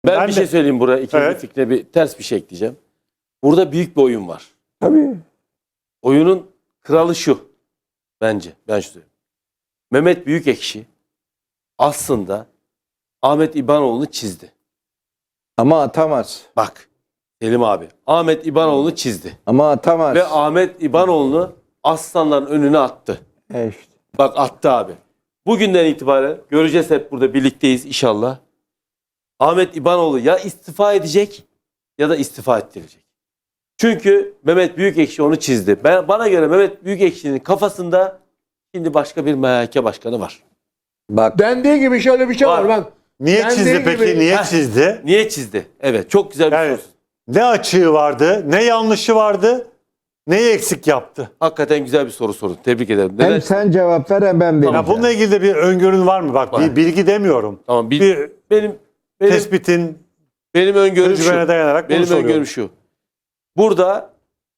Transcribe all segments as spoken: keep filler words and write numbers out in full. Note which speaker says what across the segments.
Speaker 1: Ben,
Speaker 2: Ben
Speaker 1: bir
Speaker 2: de-
Speaker 1: şey söyleyeyim buraya. İkinci
Speaker 2: Evet.
Speaker 1: fikrine bir ters bir şey ekleyeceğim. Burada büyük bir oyun var.
Speaker 3: Tabii.
Speaker 1: Oyunun kralı şu. Bence. Ben şu söyleyeyim. Mehmet Büyükekşi aslında Ahmet İbanoğlu'nu çizdi.
Speaker 3: Ama atamaz.
Speaker 1: Bak Selim abi. Ahmet İbanoğlu'nu çizdi.
Speaker 3: Ama atamaz.
Speaker 1: Ve Ahmet İbanoğlu'nu aslanların önüne attı.
Speaker 3: E işte.
Speaker 1: Bak attı abi. Bugünden itibaren göreceğiz, hep burada birlikteyiz inşallah. Ahmet İbanoğlu ya istifa edecek ya da istifa ettirecek. Çünkü Mehmet Büyükekşi onu çizdi. Ben, bana göre Mehmet Büyükekşi'nin kafasında şimdi başka bir M H K başkanı var.
Speaker 3: Bak
Speaker 4: Dendiği gibi şöyle bir şey var,
Speaker 1: Var.
Speaker 4: bak.
Speaker 2: Niye
Speaker 4: Dendiği
Speaker 2: çizdi peki?
Speaker 4: gibi-
Speaker 2: Niye
Speaker 1: Heh.
Speaker 2: çizdi?
Speaker 1: Niye çizdi? Evet, çok güzel bir
Speaker 2: Yani
Speaker 1: soru.
Speaker 2: ne açığı vardı, ne yanlışı vardı, neyi eksik yaptı?
Speaker 1: Hakikaten güzel bir soru sordun. Tebrik ederim. Neden?
Speaker 3: hem sen cevap ver hem ben vereceğim.
Speaker 2: Ya bununla ilgili de bir öngörün var mı? Bak
Speaker 1: Var.
Speaker 2: bir bilgi demiyorum.
Speaker 1: Tamam, bir,
Speaker 2: Bir
Speaker 1: benim benim
Speaker 2: tespitin
Speaker 1: benim öngörüm şu.
Speaker 2: tecrübene dayanarak bunu
Speaker 1: Benim
Speaker 2: soruyorum.
Speaker 1: öngörüm şu. Burada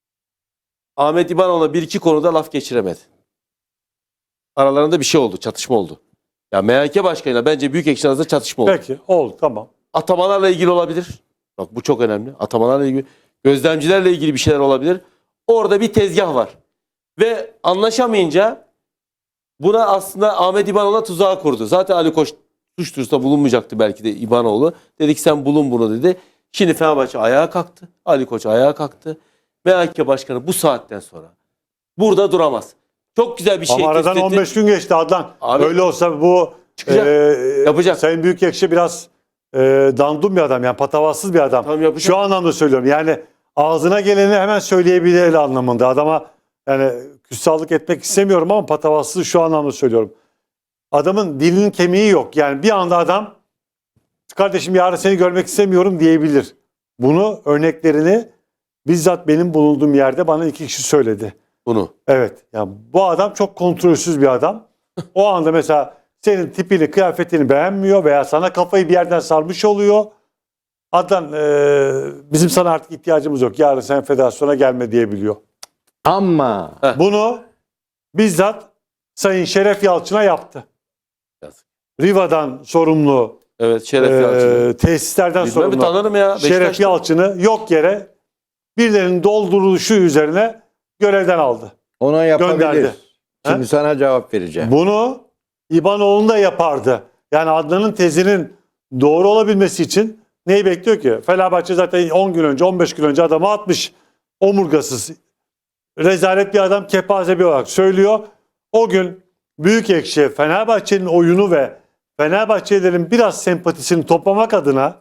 Speaker 1: Ahmet İbanoğlu'na bir iki konuda laf geçiremedi. Aralarında bir şey oldu, çatışma oldu. Ya M H K başkanıyla bence Büyükekşi arasında çatışma oldu.
Speaker 2: Peki oldu tamam.
Speaker 1: Atamalarla ilgili olabilir. Bak bu çok önemli. Atamalarla ilgili, gözlemcilerle ilgili bir şeyler olabilir. Orada bir tezgah var. Ve anlaşamayınca buna aslında Ahmet İbanoğlu'na tuzağı kurdu. Zaten Ali Koç suç duyurusunda bulunmayacaktı belki de İbanoğlu. Dedik sen bulun bunu dedi. Şimdi Fenerbahçe ayağa kalktı. Ali Koç ayağa kalktı. M H K başkanı bu saatten sonra burada duramaz. Çok güzel bir şey.
Speaker 2: Ama aradan
Speaker 1: tespit etti.
Speaker 2: on beş gün geçti Adnan.
Speaker 1: Abi,
Speaker 2: Öyle olsa bu
Speaker 1: çıkacak,
Speaker 2: e,
Speaker 1: yapacak.
Speaker 2: Sayın Büyükekşi biraz e, dandum bir adam, yani patavatsız bir adam.
Speaker 1: Tamam, yapacak.
Speaker 2: Şu anlamda söylüyorum. Yani ağzına geleni hemen söyleyebilir anlamında. Adama yani küstahlık etmek istemiyorum ama patavatsız şu anlamda söylüyorum. Adamın dilinin kemiği yok. Yani bir anda adam kardeşim yarın seni görmek istemiyorum diyebilir. Bunu örneklerini bizzat benim bulunduğum yerde bana iki kişi söyledi.
Speaker 1: Bunu.
Speaker 2: Evet. Yani bu adam çok kontrolsüz bir adam. O anda mesela senin tipini, kıyafetini beğenmiyor veya sana kafayı bir yerden sarmış oluyor. Adnan e, bizim sana artık ihtiyacımız yok. Yarın sen federasyona gelme diyebiliyor.
Speaker 3: Ama
Speaker 2: Bunu bizzat Sayın Şeref Yalçın'a yaptı.
Speaker 1: Yazık.
Speaker 2: Riva'dan sorumlu,
Speaker 1: Evet, Şeref
Speaker 2: e,
Speaker 1: Yalçın.
Speaker 2: tesislerden
Speaker 1: Bilmem mi,
Speaker 2: sorumlu
Speaker 1: tanırım ya.
Speaker 2: Şeref
Speaker 1: Beşiktaş'ta.
Speaker 2: Yalçın'ı yok yere birilerinin dolduruluşu üzerine görevden aldı.
Speaker 3: ona yapabilir.
Speaker 2: Gönderdi.
Speaker 3: Şimdi
Speaker 2: He?
Speaker 3: sana cevap vereceğim.
Speaker 2: Bunu İbanoğlu da yapardı. Yani Adnan'ın tezinin doğru olabilmesi için neyi bekliyor ki? Fenerbahçe zaten on gün önce, on beş gün önce adamı atmış. Omurgasız, rezalet bir adam, kepaze bir olarak söylüyor. O gün Büyükekşi Fenerbahçe'nin oyunu ve Fenerbahçelilerin biraz sempatisini toplamak adına,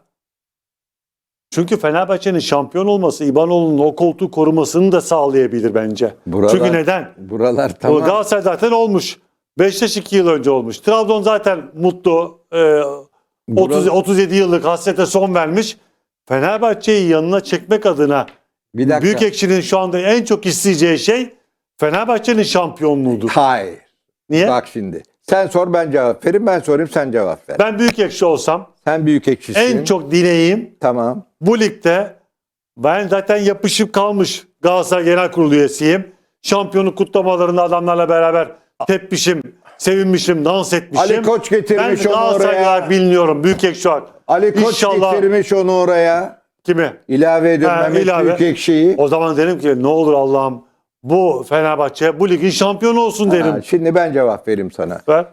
Speaker 2: çünkü Fenerbahçe'nin şampiyon olması İbanoğlu'nun o koltuğu korumasını da sağlayabilir bence.
Speaker 3: Buralar-
Speaker 2: Çünkü neden?
Speaker 3: Buralar
Speaker 2: O
Speaker 3: tamam.
Speaker 2: Galatasaray zaten olmuş. Beşiktaş iki yıl önce olmuş. Trabzon zaten mutlu. Ee, otuz,
Speaker 3: Bura-
Speaker 2: otuz yedi yıllık hasrete son vermiş. Fenerbahçe'yi yanına çekmek adına
Speaker 3: Bir dakika.
Speaker 2: Büyükekşi'nin şu anda en çok isteyeceği şey Fenerbahçe'nin şampiyonluğudur.
Speaker 3: Hayır.
Speaker 2: Niye?
Speaker 3: Bak şimdi. Sen sor ben cevap vereyim. Ben sorayım sen cevap ver.
Speaker 2: Ben Büyükekşi olsam
Speaker 3: Sen büyük ekşisin.
Speaker 2: en çok dileğim
Speaker 3: Tamam.
Speaker 2: bu ligde, ben zaten yapışıp kalmış Galatasaray Genel Kurulu üyesiyim. Şampiyonluk kutlamalarında adamlarla beraber tepmişim, sevinmişim, dans etmişim.
Speaker 3: Ali Koç
Speaker 2: Ben
Speaker 3: getirmiş onu
Speaker 2: Galatasaray
Speaker 3: oraya.
Speaker 2: olarak biliniyorum. Büyükekşi olarak.
Speaker 3: Ali Koç
Speaker 2: İnşallah-
Speaker 3: getirmiş onu oraya.
Speaker 2: Kimi?
Speaker 3: İlave ediyorum
Speaker 2: Ha,
Speaker 3: Mehmet
Speaker 2: ilave.
Speaker 3: Büyükekşi'yi.
Speaker 2: O zaman derim ki ne olur Allah'ım bu Fenerbahçe bu ligin şampiyonu olsun derim.
Speaker 3: Ha, şimdi ben cevap vereyim sana.
Speaker 2: Ver.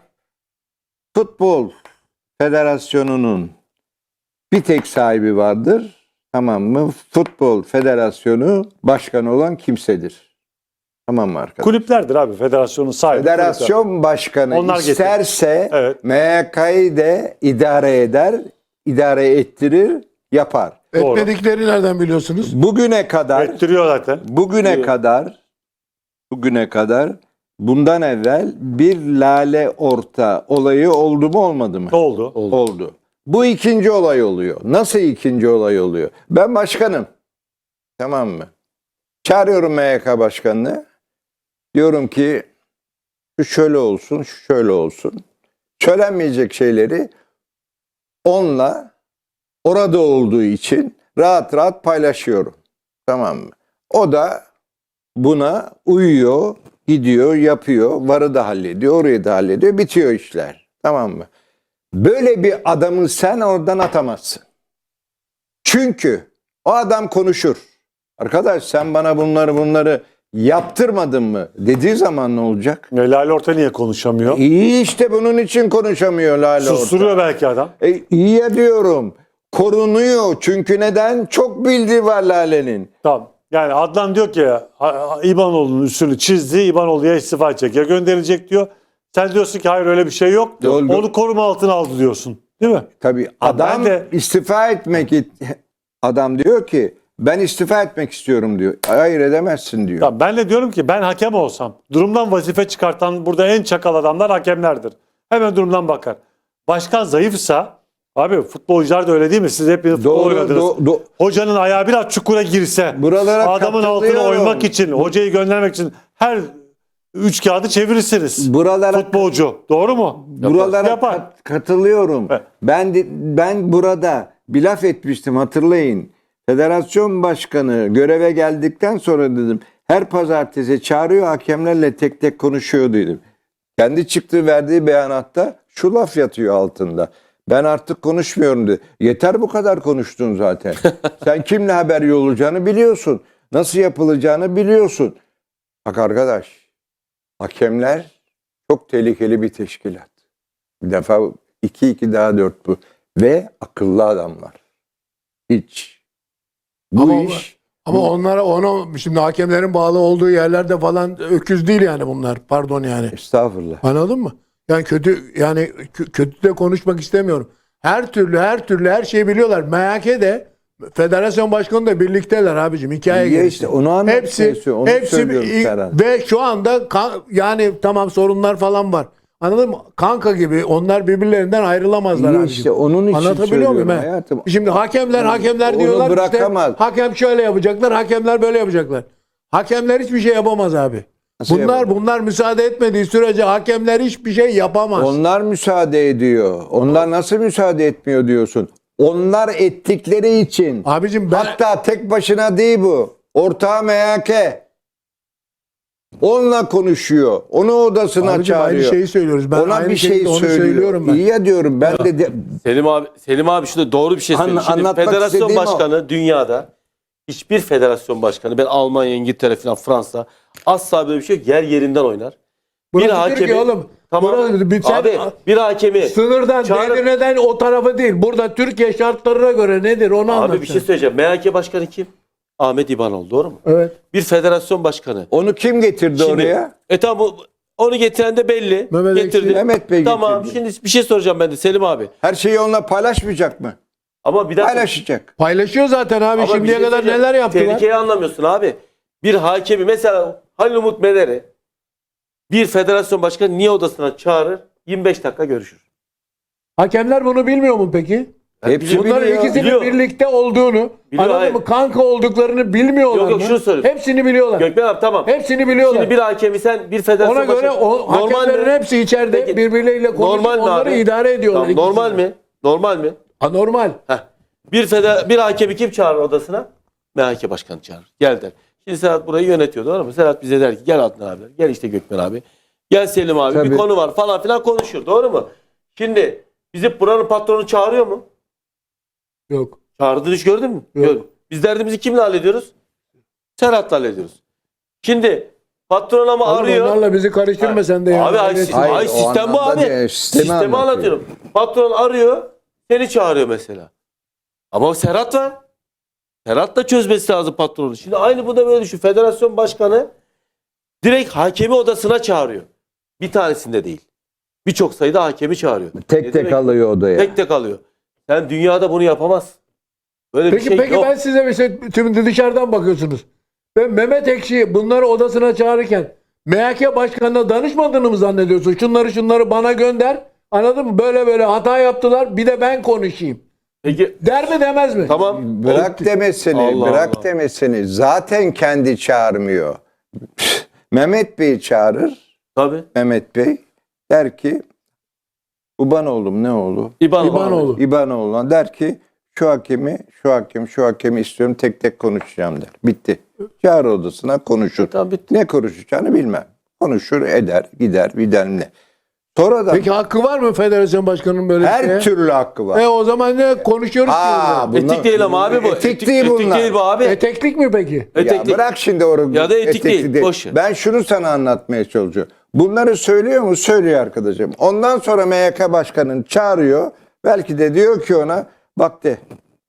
Speaker 3: Futbol Federasyonu'nun bir tek sahibi vardır. Tamam mı? Futbol Federasyonu başkanı olan kimsedir. Tamam mı arkadaşlar?
Speaker 2: Kulüplerdir abi federasyonun sahibi. kulüpler.
Speaker 3: Federasyon başkanı
Speaker 2: Onlar getirir.
Speaker 3: isterse
Speaker 2: Evet.
Speaker 3: M H K'yı de idare eder, idare ettirir, yapar.
Speaker 2: Doğru.
Speaker 4: Etmedikleri nereden biliyorsunuz?
Speaker 3: Bugüne kadar
Speaker 2: Ettiriyor zaten.
Speaker 3: Bugüne
Speaker 1: Diyor.
Speaker 3: kadar bugüne kadar bundan evvel bir lale orta olayı oldu mu olmadı mı?
Speaker 2: Ne oldu?
Speaker 1: Oldu.
Speaker 3: Oldu. Bu ikinci olay oluyor. Nasıl ikinci olay oluyor? Ben başkanım. Tamam mı? Çağırıyorum M H K başkanını. Diyorum ki şu şöyle olsun, şu şöyle olsun. Söylenmeyecek şeyleri onunla orada olduğu için rahat rahat paylaşıyorum. Tamam mı? O da buna uyuyor, gidiyor, yapıyor. Varı da hallediyor, orayı da hallediyor. Bitiyor işler. Tamam mı? Böyle bir adamı sen oradan atamazsın. Çünkü o adam konuşur. Arkadaş sen bana bunları bunları yaptırmadın mı dediği zaman ne olacak?
Speaker 2: E, Lale Orta niye konuşamıyor?
Speaker 3: İyi işte bunun için konuşamıyor Lale Orta.
Speaker 2: Susturuyor belki adam.
Speaker 3: E, iyi ya diyorum. Korunuyor. Çünkü neden? Çok bildiği var Lale'nin.
Speaker 2: Tamam. Yani Adnan diyor ki ha- ha- İbanoğlu'nun üstünü çizdi. İbanoğlu ya istifa edecek ya gönderilecek diyor. Sen diyorsun ki hayır öyle bir şey yok.
Speaker 3: Doğru.
Speaker 2: Onu koruma altına aldı diyorsun. Değil mi?
Speaker 3: Tabii
Speaker 2: Ha,
Speaker 3: adam
Speaker 2: ben de-
Speaker 3: istifa etmek adam diyor ki ben istifa etmek istiyorum diyor. Hayır edemezsin diyor.
Speaker 2: Ya ben de diyorum ki ben hakem olsam durumdan vazife çıkartan burada en çakal adamlar hakemlerdir. Hemen durumdan bakar. Başkan zayıfsa abi futbolcular da öyle değil mi? Siz hepiniz futbol
Speaker 3: Doğru,
Speaker 2: oynadınız.
Speaker 3: do- do-
Speaker 2: Hocanın ayağı biraz çukura girse
Speaker 3: Buralara
Speaker 2: adamın altına
Speaker 3: katılıyorum.
Speaker 2: oymak için, hocayı göndermek için her üç kağıdı çevirirsiniz.
Speaker 3: Buralara
Speaker 2: Futbolcu. Doğru mu?
Speaker 3: buralara
Speaker 2: Yapar.
Speaker 3: kat- katılıyorum.
Speaker 2: Evet.
Speaker 3: Ben de- ben burada bir laf etmiştim hatırlayın. Federasyon başkanı göreve geldikten sonra dedim her pazartesi çağırıyor hakemlerle tek tek konuşuyor dedim. Kendi çıktığı verdiği beyanatta şu laf yatıyor altında. Ben artık konuşmuyorum dedi. Yeter bu kadar konuştun zaten. Sen kimle haber yollayacağını biliyorsun. Nasıl yapılacağını biliyorsun. Bak arkadaş, hakemler çok tehlikeli bir teşkilat. Bir defa iki iki daha dört bu. Ve akıllı adamlar. Hiç. Bu
Speaker 4: Ama-
Speaker 3: iş
Speaker 4: Ama onlara ona şimdi hakemlerin bağlı olduğu yerlerde falan öküz değil yani bunlar. Pardon yani.
Speaker 3: estağfurullah.
Speaker 4: Anladın mı? Yani kötü yani kö- kötü de konuşmak istemiyorum. Her türlü her türlü her şeyi biliyorlar. M H K'de federasyon başkanı da birlikteler abicim. Hikaye
Speaker 3: Ya
Speaker 4: gerisi.
Speaker 3: işte onu anlatmaya
Speaker 4: Hepsi
Speaker 3: çalışıyorum, onu
Speaker 4: hepsi
Speaker 3: söylüyorum
Speaker 4: i-
Speaker 3: Serhan.
Speaker 4: ve şu anda kan- yani tamam sorunlar falan var. Anladın mı? Kanka gibi onlar birbirlerinden ayrılamazlar
Speaker 3: İyi
Speaker 4: abicim.
Speaker 3: işte onun için
Speaker 4: Anlatabiliyor muyum?
Speaker 3: söylüyorum
Speaker 4: he?
Speaker 3: hayatım.
Speaker 4: Şimdi hakemler hakemler
Speaker 3: Onu
Speaker 4: diyorlar
Speaker 3: bırakamaz.
Speaker 4: işte hakem şöyle yapacaklar, hakemler böyle yapacaklar. Hakemler hiçbir şey yapamaz abi.
Speaker 3: Nasıl
Speaker 4: bunlar
Speaker 3: yapamaz?
Speaker 4: bunlar müsaade etmediği sürece hakemler hiçbir şey yapamaz.
Speaker 3: Onlar müsaade ediyor. Onlar nasıl müsaade etmiyor diyorsun. Onlar ettikleri için.
Speaker 4: Abicim ben
Speaker 3: Hatta tek başına değil bu. Ortağı M H K. Onunla konuşuyor. Onu odasına
Speaker 4: abicim aynı
Speaker 3: çağırıyor.
Speaker 4: şeyi söylüyoruz. Ben
Speaker 3: Ona
Speaker 4: aynı
Speaker 3: bir şey
Speaker 4: şekilde onu
Speaker 3: söylüyor.
Speaker 4: söylüyorum ben.
Speaker 3: İyi ya diyorum. Ben de, de
Speaker 1: Selim abi, Selim abi şurada doğru bir şey
Speaker 3: An-
Speaker 1: söylüyor. Şimdi
Speaker 3: anlatmak
Speaker 1: federasyon
Speaker 3: istediğim o.
Speaker 1: başkanı dünyada hiçbir federasyon başkanı ben Almanya, İngiltere falan Fransa asla böyle bir şey yok. Yer yerinden oynar.
Speaker 4: Burası Türkiye oğlum.
Speaker 1: Tamam.
Speaker 4: Burası- bir- sen-
Speaker 1: abi bir hakemi
Speaker 4: Sınırdan
Speaker 1: çağırıp-
Speaker 4: Edirne'den o tarafı değil. Burada Türkiye şartlarına göre nedir onu anlat.
Speaker 1: abi bir şey
Speaker 4: sen.
Speaker 1: söyleyeceğim. M H K başkanı kim? Ahmet İbanoğlu doğru mu?
Speaker 4: Evet.
Speaker 1: Bir federasyon başkanı.
Speaker 3: onu kim getirdi
Speaker 1: Şimdi-
Speaker 3: oraya?
Speaker 1: E tamam o- onu getiren de belli.
Speaker 4: Mehmet
Speaker 1: getirdi.
Speaker 4: Ekşi.
Speaker 3: Mehmet Bey
Speaker 1: Tamam
Speaker 3: getirdi.
Speaker 1: şimdi bir şey soracağım ben de Selim abi.
Speaker 3: Her şeyi onunla paylaşmayacak mı?
Speaker 1: Ama bir dakika.
Speaker 3: Paylaşacak.
Speaker 4: Paylaşıyor zaten abi.
Speaker 1: Ama bir
Speaker 4: Şimdiye
Speaker 1: şey
Speaker 4: kadar
Speaker 1: söyleyeceğim.
Speaker 4: neler yaptılar?
Speaker 1: Tehlikeyi anlamıyorsun abi. Bir hakemi mesela Halil Umut Meler'i bir federasyon başkanı niye odasına çağırır? yirmi beş dakika görüşür.
Speaker 4: Hakemler bunu bilmiyor mu peki?
Speaker 3: Hepsi
Speaker 4: Bunların
Speaker 3: biliyor.
Speaker 4: ikisinin
Speaker 1: Biliyor.
Speaker 4: birlikte olduğunu,
Speaker 1: Biliyor,
Speaker 4: anladın
Speaker 1: hayır.
Speaker 4: mı? Kanka olduklarını bilmiyorlar
Speaker 1: Yok, yok,
Speaker 4: mı?
Speaker 1: şunu söylüyorum.
Speaker 4: Hepsini biliyorlar.
Speaker 1: Gökmen abi tamam.
Speaker 4: Hepsini biliyorlar.
Speaker 1: Şimdi bir hakemi sen bir federasyon
Speaker 4: Ona göre
Speaker 1: başkanı...
Speaker 4: o hakemlerin
Speaker 1: mi?
Speaker 4: hepsi içeride
Speaker 1: Peki,
Speaker 4: birbirleriyle konuşup
Speaker 1: normal mi
Speaker 4: onları
Speaker 1: abi?
Speaker 4: idare ediyorlar.
Speaker 1: Tamam, normal
Speaker 4: ikisini.
Speaker 1: mi? Normal mi?
Speaker 4: Anormal.
Speaker 1: Heh. Bir feder bir hakemi kim çağırır odasına? M H K başkanı çağırır. Gel der. Şimdi Serhat burayı yönetiyor doğru mu? Serhat bize der ki gel Adnan abi. Gel işte Gökmen abi. Gel Selim abi.
Speaker 3: Tabii.
Speaker 1: Bir konu var falan filan konuşuyor. Doğru mu? Şimdi bizi buranın patronu çağırıyor mu?
Speaker 4: Yok.
Speaker 1: Çağırdığını hiç gördün mü?
Speaker 4: Yok.
Speaker 1: Gördüm. Biz derdimizi kimle hallediyoruz? Serhat'la hallediyoruz. Şimdi patron ama
Speaker 4: Oğlum
Speaker 1: arıyor.
Speaker 4: onlarla bizi karıştırma sen de ya.
Speaker 1: Abi ay,
Speaker 4: Evet.
Speaker 1: ay,
Speaker 3: Hayır, o
Speaker 1: sistem bu
Speaker 3: anlamda
Speaker 1: abi.
Speaker 3: değil, sistemi
Speaker 1: Sistemi
Speaker 3: anlatıyor.
Speaker 1: anlatıyorum. Patron arıyor. Seni çağırıyor mesela. Ama Serhat var. Serhat da çözmesi lazım patronu. Şimdi aynı bu da böyle düşün. Federasyon başkanı direkt hakemi odasına çağırıyor. Bir tanesinde değil. Birçok sayıda hakemi çağırıyor.
Speaker 3: Tek
Speaker 1: Ne
Speaker 3: tek
Speaker 1: demek?
Speaker 3: alıyor odaya.
Speaker 1: Tek tek alıyor. Sen dünyada bunu yapamazsın. Böyle
Speaker 4: Peki
Speaker 1: bir şey
Speaker 4: peki
Speaker 1: yok.
Speaker 4: ben size bir şey, şimdi dışarıdan bakıyorsunuz. Ben Mehmet Ekşi bunları odasına çağırırken M H K başkanına danışmadığını mı zannediyorsun? Şunları şunları bana gönder. Anladın mı? Böyle böyle hata yaptılar. Bir de ben konuşayım.
Speaker 1: Peki
Speaker 4: Der mi demez mi?
Speaker 1: tamam.
Speaker 3: Bırak demesini,
Speaker 1: Allah
Speaker 3: bırak
Speaker 1: Allah.
Speaker 3: demesini. Zaten kendi çağırmıyor. Mehmet Bey çağırır.
Speaker 1: Tabii.
Speaker 3: Mehmet Bey der ki Ubanoğlu'm ne oğlu?
Speaker 1: İban
Speaker 4: İbanoğlu.
Speaker 3: İbanoğlu'na der ki şu hakemi, şu hakem, şu hakemi istiyorum tek tek konuşacağım der. Bitti. Çağır odasına konuşur.
Speaker 1: Tamam, bitti.
Speaker 3: Ne konuşacağını bilmem. Konuşur, eder, gider, bilmem ne. Sonradan
Speaker 4: Peki hakkı var mı federasyon başkanının böyle bir şeye?
Speaker 3: her türlü hakkı var.
Speaker 4: E o zaman ne konuşuyoruz
Speaker 3: Aa,
Speaker 4: ki?
Speaker 3: bu- Bunlar-
Speaker 1: Etik değil ama abi bu.
Speaker 3: Etik değil bunlar.
Speaker 1: Etik değil bu abi.
Speaker 4: Eteklik mi peki?
Speaker 3: Ya
Speaker 1: Etek değil.
Speaker 3: bırak şimdi orayı.
Speaker 1: Ya da etik değil, boş ver.
Speaker 3: Ben şunu sana anlatmaya çalışıyorum. Bunları söylüyor mu? Söylüyor arkadaşım. Ondan sonra M Y K başkanını çağırıyor. Belki de diyor ki ona bak de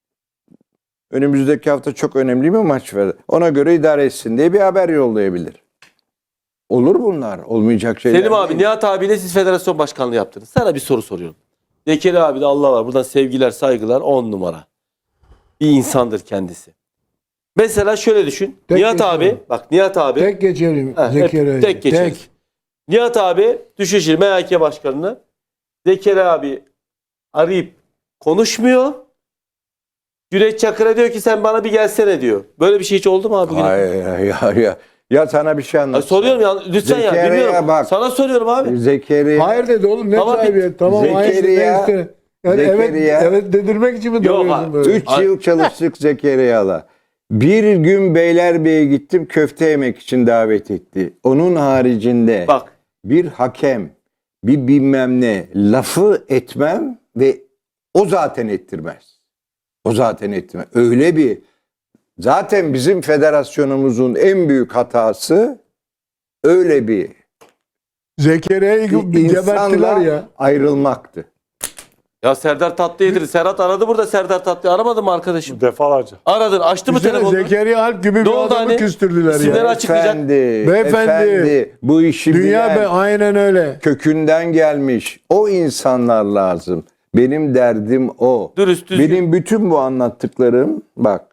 Speaker 3: önümüzdeki hafta çok önemli bir maç var. Ona göre idare etsin diye bir haber yollayabilir. Olur bunlar. Olmayacak şeyler
Speaker 1: Selim abi,
Speaker 3: değil.
Speaker 1: Nihat abiyle siz federasyon başkanlığı yaptınız. Sana bir soru soruyorum. Zekeri abi de Allah var. Buradan sevgiler, saygılar, on numara. Bir insandır kendisi. Mesela şöyle düşün.
Speaker 4: Tek
Speaker 1: Nihat
Speaker 4: geçelim.
Speaker 1: abi, bak Nihat abi.
Speaker 4: Tek geçelim.
Speaker 1: Ha, hep
Speaker 4: Zekeriya.
Speaker 1: tek geçeriz. Nihat abi düşüşür M H K başkanını. Zekeri abi arayıp konuşmuyor. Cüneyt Çakır'a diyor ki sen bana bir gelsene diyor. Böyle bir şey hiç oldu mu abi? bugüne kadar?
Speaker 3: Hayır ya ya. Ya sana bir şey
Speaker 1: Ay,
Speaker 3: anlatayım.
Speaker 1: soruyorum ya lütfen ya.
Speaker 3: Zekeriya
Speaker 1: Bilmiyorum.
Speaker 3: bak.
Speaker 1: Sana soruyorum abi.
Speaker 3: Zekeriya.
Speaker 4: Hayır dedi oğlum ne
Speaker 1: Tamam,
Speaker 4: sahibi? Tamam hayır
Speaker 3: Zekeriya-
Speaker 4: ne işte. Yani evet,
Speaker 3: Zekeriya-
Speaker 4: evet dedirmek için mi
Speaker 1: Yok
Speaker 4: dalıyorsun
Speaker 1: abi,
Speaker 4: böyle?
Speaker 3: Üç yıl çalıştık Zekeriya'la. Bir gün Beylerbeyi'ye gittim, köfte yemek için davet etti. Onun haricinde
Speaker 1: Bak.
Speaker 3: bir hakem, bir bilmem ne lafı etmem ve o zaten ettirmez. O zaten ettirmez. Öyle bir zaten bizim federasyonumuzun en büyük hatası öyle bir
Speaker 4: Zekeriya'yı geberttiler
Speaker 3: insanla
Speaker 4: ya.
Speaker 3: ayrılmaktı.
Speaker 1: Ya Serdar Tatlı yedir. Serhat aradı burada Serdar Tatlı'yı. Aramadın mı arkadaşım?
Speaker 2: Defalarca.
Speaker 1: Aradın. Açtı mı
Speaker 4: Düşünsene
Speaker 1: telefonunu?
Speaker 4: Zekeriya Alp gibi
Speaker 1: Ne
Speaker 4: bir
Speaker 1: oldu
Speaker 4: adamı
Speaker 1: hani?
Speaker 4: küstürdüler
Speaker 1: İsimleri
Speaker 4: ya.
Speaker 1: aç- açıklayacak.
Speaker 3: Efendi,
Speaker 4: Beyefendi,
Speaker 3: efendi, bu işi
Speaker 4: Dünya
Speaker 3: bilen,
Speaker 4: be aynen öyle.
Speaker 3: kökünden gelmiş o insanlar lazım. Benim derdim o.
Speaker 1: Dürüst, düzgün.
Speaker 3: Benim bütün bu anlattıklarım bak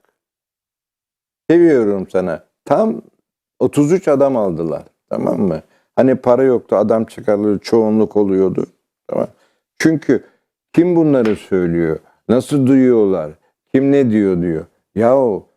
Speaker 3: seviyorum sana. Tam otuz üç adam aldılar. Tamam mı? Hani para yoktu, adam çıkarılıyor, çoğunluk oluyordu. Tamam. Çünkü kim bunları söylüyor? Nasıl duyuyorlar? Kim ne diyor diyor. Yahu